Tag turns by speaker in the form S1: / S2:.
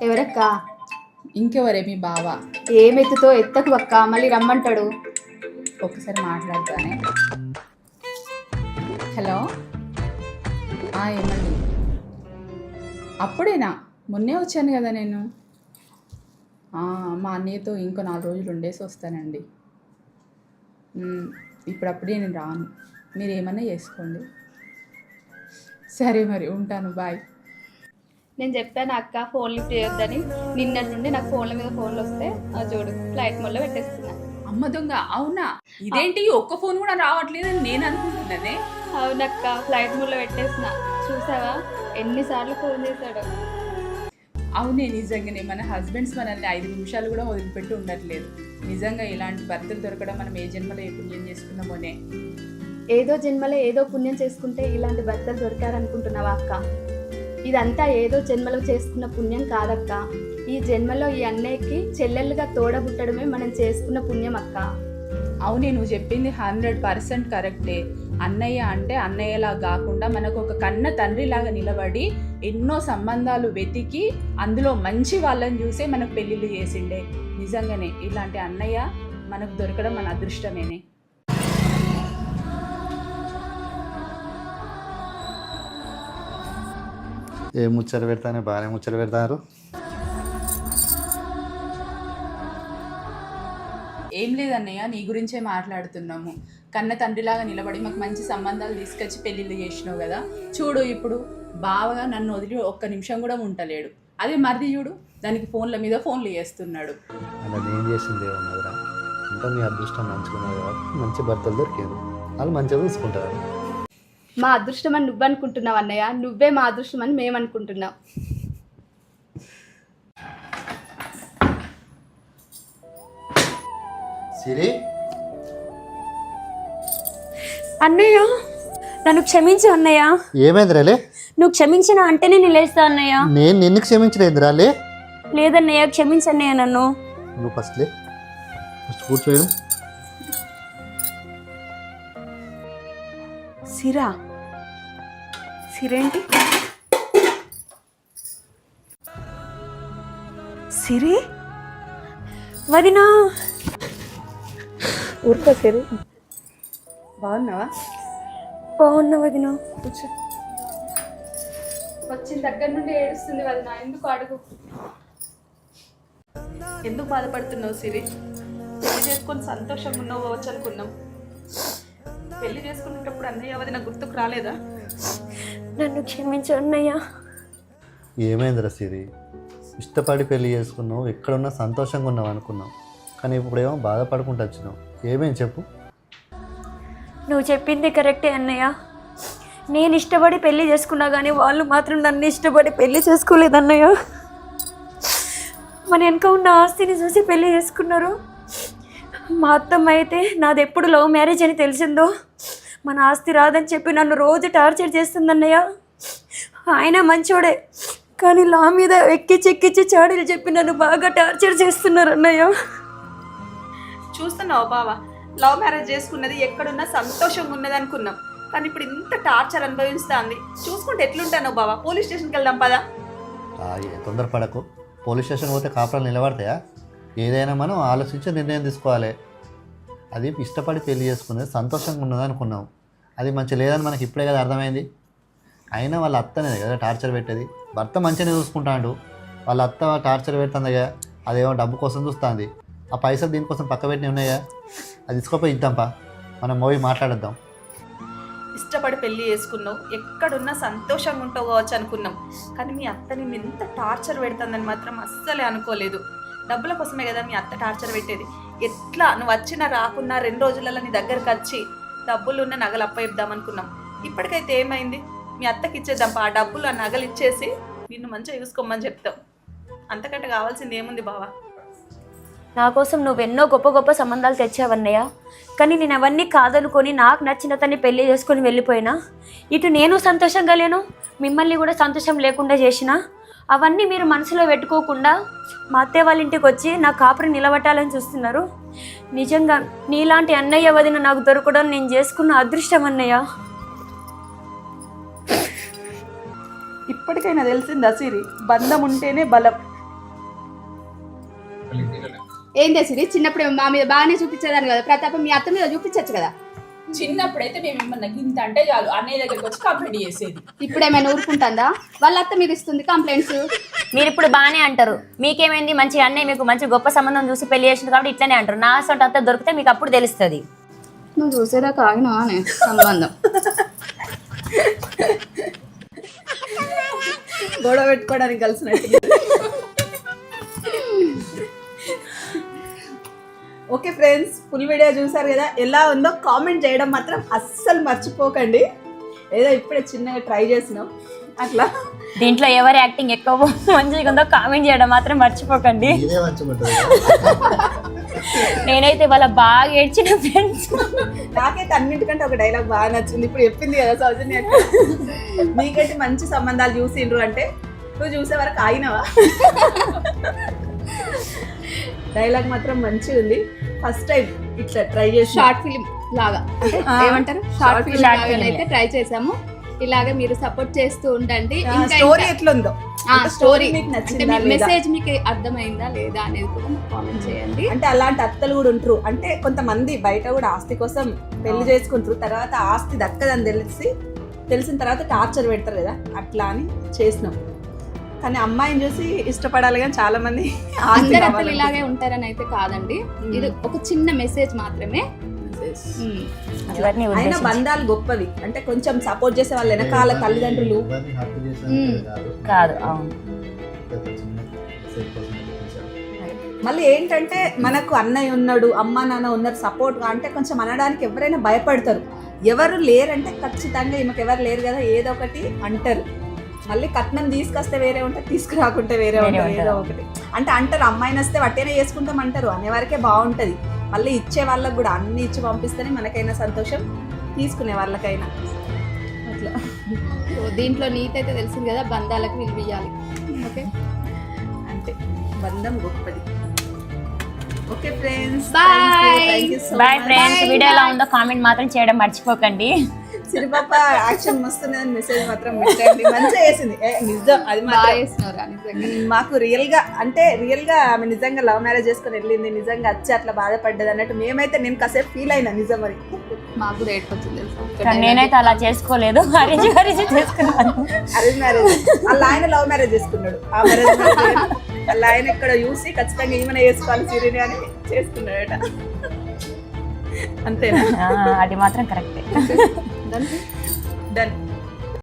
S1: ఎవరక్క?
S2: ఇంకెవరే మీ బావ.
S1: ఏమెత్తుతో ఎత్తకు అక్క, మళ్ళీ రమ్మంటాడు.
S2: ఒక్కసారి మాట్లాడతానే. హలో, ఏమండి? అప్పుడేనా? మొన్నే వచ్చాను కదా నేను. మా అన్నయ్యతో ఇంకో 4 రోజులు ఉండేసి వస్తానండి. ఇప్పుడప్పుడే నేను రాను, మీరు ఏమన్నా చేసుకోండి. సరే మరి ఉంటాను, బాయ్.
S1: నేను చెప్పాను అక్క ఫోన్ లిఫ్ట్ చేయొద్దని. నిన్నటి నుండి నాకు ఫోన్ల మీద ఫోన్లు వస్తే చూడు ఫ్లైట్ మోడ్లో పెట్టేస్తున్నా.
S2: అమ్మ దొంగ, అవునా? ఇదేంటి ఒక్క ఫోన్ కూడా రావట్లేదని నేను అనుకుంటున్నానే.
S1: అవునక్క, ఫ్లైట్ మోడ్లో పెట్టేసిన. చూసావా ఎన్నిసార్లు ఫోన్ చేశాడు.
S2: అవునే, నిజంగానే మన హస్బెండ్స్ మనల్ని 5 నిమిషాలు కూడా వదిలిపెట్టి ఉండట్లేదు. నిజంగా ఇలాంటి భర్తలు దొరకడం మనం ఏ జన్మలో ఏ పుణ్యం చేసుకున్నామోనే.
S1: ఏదో జన్మలో ఏదో పుణ్యం చేసుకుంటే ఇలాంటి భర్తలు దొరికారనుకుంటున్నావా అక్క? ఇదంతా ఏదో జన్మలో చేసుకున్న పుణ్యం కాదక్క. ఈ జన్మలో ఈ అన్నయ్యకి చెల్లెళ్ళుగా తోడబుట్టడమే మనం చేసుకున్న పుణ్యం అక్క.
S2: అవునే, నువ్వు చెప్పింది 100% కరెక్టే. అన్నయ్య అంటే అన్నయ్యలా కాకుండా మనకు ఒక కన్న తండ్రిలాగా నిలబడి ఎన్నో సంబంధాలు వెతికి అందులో మంచి వాళ్ళని చూసే మనకు పెళ్ళిళ్ళు చేసిండే. నిజంగానే ఇలాంటి అన్నయ్య మనకు దొరకడం మన అదృష్టమేనే.
S3: ఏ ముచ్చట పెడతానే, బాగానే ముచ్చట పెడతారు.
S2: ఏం లేదన్నయ్య, నీ గురించే మాట్లాడుతున్నాము. కన్న తండ్రిలాగా నిలబడి మాకు మంచి సంబంధాలు తీసుకొచ్చి పెళ్ళిళ్ళు చేసినావు కదా. చూడు ఇప్పుడు బావగా నన్ను వదిలి ఒక్క నిమిషం కూడా ఉంటలేడు. అదే మరిది చూడు, దానికి ఫోన్ల మీద ఫోన్లు చేస్తున్నాడు.
S3: అలా నేను చేసింది ఏమన్నదిరా? అంతా మీ అదృష్టం మంచుకున్నారు కాబట్టి మంచి భర్తలు దొరికారు, వాళ్ళు మంచిగా చూసుకుంటారు.
S1: మా అదృష్టం అని నువ్వు అనుకుంటున్నావు అన్నయ్య, నువ్వే మా అదృష్టం అని మేము అనుకుంటున్నాం.
S3: సిరి,
S4: అన్నయ్య నన్ను క్షమించు అన్నయ్య.
S3: ఏమైందిరాలే?
S4: నువ్వు క్షమించిన అంటేనే నేను లేస్తా అన్నయ్య.
S3: నేను నిన్ను క్షమించలేదురాలే.
S4: లేదన్నయ్య, క్షమించన్నయ్య నన్ను.
S3: నువ్వు ఫస్ట్ కూర్చోయడం.
S4: సిరా, సిరేంటి? సిరి వదినా.
S2: ఊరుకో సిరి. బాగున్నావా?
S4: బాగున్నా వదినా.
S2: కూర్చో.
S1: వచ్చిన దగ్గర నుండి ఏడుస్తుంది వదిన, ఎందుకు అడుగు.
S2: ఎందుకు బాధపడుతున్నావు సిరి? పెళ్లి చేసుకొని సంతోషంగా ఉన్నావు కావచ్చు అనుకున్నాం. పెళ్లి చేసుకునేటప్పుడు అన్నయ్య వదిన గుర్తుకు రాలేదా?
S4: నన్ను క్షమించు అన్నయ్య.
S3: ఏమైందిరా సిరి? ఇష్టపడి పెళ్లి చేసుకున్నావు, ఎక్కడున్నా సంతోషంగా ఉన్నావు అనుకున్నావు, కానీ ఇప్పుడేమో బాధపడుకుంటూ వచ్చినావు. ఏమేమి చెప్పు.
S4: నువ్వు చెప్పింది కరెక్టే అన్నయ్య. నేను ఇష్టపడి పెళ్లి చేసుకున్నా కానీ వాళ్ళు మాత్రం నన్ను ఇష్టపడి పెళ్లి చేసుకోలేదు అన్నయ్య. మన వెనక ఉన్న ఆస్తిని చూసి పెళ్లి చేసుకున్నారు. మా అత్తమ్మ అయితే నాది ఎప్పుడు లవ్ మ్యారేజ్ అని తెలిసిందో మన ఆస్తి రాదని చెప్పి నన్ను రోజు టార్చర్ చేస్తుంది అన్నయ్య. ఆయన మంచోడే, కానీ లా మీద ఎక్కిచ్చి చాడీలు చెప్పి నన్ను బాగా టార్చర్ చేస్తున్నారు అన్నయ్య.
S5: చూస్తున్నావు బావా, లవ్ మ్యారేజ్ చేసుకున్నది ఎక్కడున్నా సంతోషంగా ఉన్నది అనుకున్నాం, కానీ ఇప్పుడు ఇంత టార్చర్ అనుభవిస్తుంది. చూసుకుంటే ఎట్లుంటాను బావా? పోలీస్ స్టేషన్కి వెళ్దాం పదా.
S3: తొందరపడకు. పోలీస్ స్టేషన్ పోతే కాపురాలు నిలబడతాయా? ఏదైనా మనం ఆలోచించి నిర్ణయం తీసుకోవాలి. అది ఇష్టపడి పెళ్లి చేసుకునేది సంతోషంగా ఉన్నది అనుకున్నాం, అది మంచి లేదని మనకి ఇప్పుడే కదా అర్థమైంది. అయినా వాళ్ళ అత్తనే కదా టార్చర్ పెట్టేది. భర్త మంచిగానే చూసుకుంటాడు, వాళ్ళ అత్త టార్చర్ పెడుతుందిగా, అదేమో డబ్బు కోసం చూస్తుంది. ఆ పైసలు దీనికోసం పక్క పెట్టినవి ఉన్నాయా? అది తీసుకోపోయి ఇద్దాంపా, మనం మూవీ మాట్లాడద్దాం.
S5: ఇష్టపడి పెళ్లి చేసుకున్నావు, ఎక్కడున్నా సంతోషంగా ఉంటావు కావచ్చు అనుకున్నాం, కానీ మీ అత్త నిన్ను ఎంత టార్చర్ పెడుతుందని మాత్రం అస్సలే అనుకోలేదు. డబ్బుల కోసమే కదా మీ అత్త టార్చర్ పెట్టేది. ఎట్లా నువ్వు వచ్చినా రాకున్నా 2 రోజులలో నీ దగ్గరకు వచ్చి డబ్బులున్న నగలు అప్పయిద్దాం అనుకున్నాం. ఇప్పటికైతే ఏమైంది? మీ అత్తకి ఇచ్చేద్దాంపా, ఆ డబ్బులు ఆ నగలు ఇచ్చేసి నిన్ను మంచిగా చూసుకోమని చెప్తాం. అంతకంటే కావాల్సింది ఏముంది బావా?
S4: నా కోసం నువ్వెన్నో గొప్ప గొప్ప సంబంధాలు తెచ్చావన్నయ్య, కానీ నేను అవన్నీ కాదనుకొని నాకు నచ్చిన తన్ని పెళ్లి చేసుకొని వెళ్ళిపోయినా. ఇటు నేను సంతోషంగా లేను, మిమ్మల్ని కూడా సంతోషం లేకుండా చేసిన. అవన్నీ మీరు మనసులో పెట్టుకోకుండా మా అత్తయ్య వాళ్ళ ఇంటికి వచ్చి నా కాపురం నిలబట్టాలని చూస్తున్నారు. నిజంగా నీలాంటి అన్నయ్య వదిన నాకు దొరకడం నేను చేసుకున్న అదృష్టం అన్నయ్య.
S5: ఇప్పటికైనా తెలిసిందా సిరి, బంధం ఉంటేనే బలం.
S1: ఏం చేసింది చిన్నప్పుడు మా మీద బాగానే చూపించేదాన్ని కదా ప్రతాపం మీ అత్త మీద చూపించచ్చు కదా.
S2: చిన్నప్పుడైతే మేము ఏమన్నా గింత అంటే చాలు అన్నయ్య దగ్గరికి వచ్చి కంప్లైంట్ చేసేది.
S1: ఇప్పుడు ఏమైనా ఊరుకుంటుందా? వాళ్ళ అత్త మీద ఇస్తుంది కంప్లైంట్స్.
S4: మీరు ఇప్పుడు బాగానే అంటారు, మీకేమైంది మంచి అన్నయ్య మీకు మంచి గొప్ప సంబంధం చూసి పెళ్లి చేసింది కాబట్టి ఇట్లనే అంటారు. నా సొంత అంతా దొరికితే మీకు అప్పుడు తెలుస్తుంది.
S1: నువ్వు చూసేదాకా ఆగినా సంబంధం.
S5: గొడవ పెట్టుకోవడానికి కలిసినట్టు. ఓకే ఫ్రెండ్స్, ఫుల్ వీడియో చూసారు కదా, ఎలా ఉందో కామెంట్ చేయడం మాత్రం అస్సలు మర్చిపోకండి. ఏదో ఇప్పుడే చిన్నగా ట్రై చేసినాం అట్లా.
S4: దీంట్లో ఎవరి యాక్టింగ్ ఎక్కువ మంచిగా ఉందో కామెంట్ చేయడం మాత్రం మర్చిపోకండి.
S3: ఇదే మంచిగుంటుంది.
S4: నేనైతే వాళ్ళ బాగా ఏడ్చిన ఫ్రెండ్స్.
S5: నాకైతే అన్నింటికంటే ఒక డైలాగ్ బాగా నచ్చింది. ఇప్పుడు చెప్పింది కదా సౌజన్య, మీకైతే మంచి సంబంధాలు చూసిండ్రు అంటే నువ్వు చూసే వరకు ఆగినవా. డైలాగ్ మాత్రం మంచిగా ఉంది. ఫస్ట్ టైం ఇట్లా ట్రై చేసి
S1: షార్ట్ ఫిలిం లాగా అంటే ఏమంటారు, షార్ట్ ఫిలిం లాగా అయితే ట్రై చేసాము. ఇలాగే మీరు సపోర్ట్ చేస్తూ ఉండండి.
S5: స్టోరీ ఎట్లుందో,
S1: స్టోరీ
S5: మీకు నచ్చిందా లేదా?
S1: మెసేజ్ మీకు అర్థమైందా లేదా అనేది కూడా కామెంట్ చేయండి.
S5: అంటే అలాంటి అత్తలు కూడా ఉంటారు. అంటే కొంతమంది బయట కూడా ఆస్తి కోసం పెళ్లి చేసుకుంటారు, తర్వాత ఆస్తి దక్కదని తెలిసిన తర్వాత టార్చర్ పెడతారు కదా, అట్లా అని చేసినాం. కానీ అమ్మాయిని చూసి ఇష్టపడాలి, కానీ చాలా మంది
S1: అందరు అత్తలు ఇలాగే ఉంటారని అయితే కాదండి. ఇది ఒక చిన్న మెసేజ్ మాత్రమే.
S5: అయినా బంధాలు గొప్పవి. అంటే కొంచెం సపోర్ట్ చేసే వాళ్ళు వెనకాల తల్లిదండ్రులు
S3: ఎవరిని హత్య చేసినంత
S4: కాదు. అవును.
S3: పెద్ద చిన్న mistake కోసం చూపించారు.
S5: మళ్ళీ ఏంటంటే మనకు అన్నయ్య ఉన్నాడు, అమ్మ నాన్న ఉన్నారు సపోర్ట్ అంటే కొంచెం అనడానికి ఎవరైనా భయపడతారు. ఎవరు లేరంటే ఖచ్చితంగా ఈమెకు ఎవరు లేరు కదా ఏదో ఒకటి అంటారు. మళ్ళీ కట్నం తీసుకొస్తే వేరే ఉంటుంది, తీసుకురాకుంటే వేరే ఉంటుంది, ఏదో ఒకటి అంటే అంటారు. అమ్మాయిని వస్తే వట్టేనే చేసుకుంటాం అంటారు, అనేవారికే బాగుంటుంది. మళ్ళీ ఇచ్చే వాళ్ళకి కూడా అన్ని ఇచ్చి పంపిస్తేనే మనకైనా సంతోషం, తీసుకునే వాళ్ళకైనా అట్లా.
S1: దీంట్లో నీతి అయితే తెలిసింది కదా, బంధాలకు విలువ ఇవ్వాలి. ఓకే,
S5: అంతే, బంధం గొప్పది. Okay friends,
S1: Bye.
S4: Bye friends. Video ఎలా ఉందో కామెంట్ మాత్రం చేయడం మర్చిపోకండి.
S5: సిరిపాప యాక్షన్ మస్తుందని మెసేజ్ మాత్రం పెట్టండి. మంచిగా చేసింది, నిజం అది
S1: బాగా
S5: మాత్రం.
S1: చేస్తున్నారా నిజంగా.
S5: మాకు రియల్ గా ఆమె నిజంగా లవ్ మ్యారేజ్ చేసుకుని వెళ్ళింది, నిజంగా వచ్చి అట్లా బాధపడ్డది అన్నట్టు మేమైతే నేను కాసేపు ఫీల్ అయినా నిజం. మరి
S1: మాకు కూడా ఏడుకొచ్చింది తెలుసా.
S4: కానీ నేనైతే అలా చేసుకోలేదు, అరేంజ్ చేసుకున్నాను.
S5: Arrange marriage. వాళ్ళ ఆయన లవ్ మ్యారేజ్ చేసుకున్నాడు. ఆ మ్యారేజ్ వాళ్ళ ఆయన ఇక్కడ చూసి ఖచ్చితంగా ఈమెనే చేసుకోవాలి సిరిని అని చేసుకున్నాడట. అంతేనా?
S4: అది మాత్రం కరెక్టే.
S5: డన్.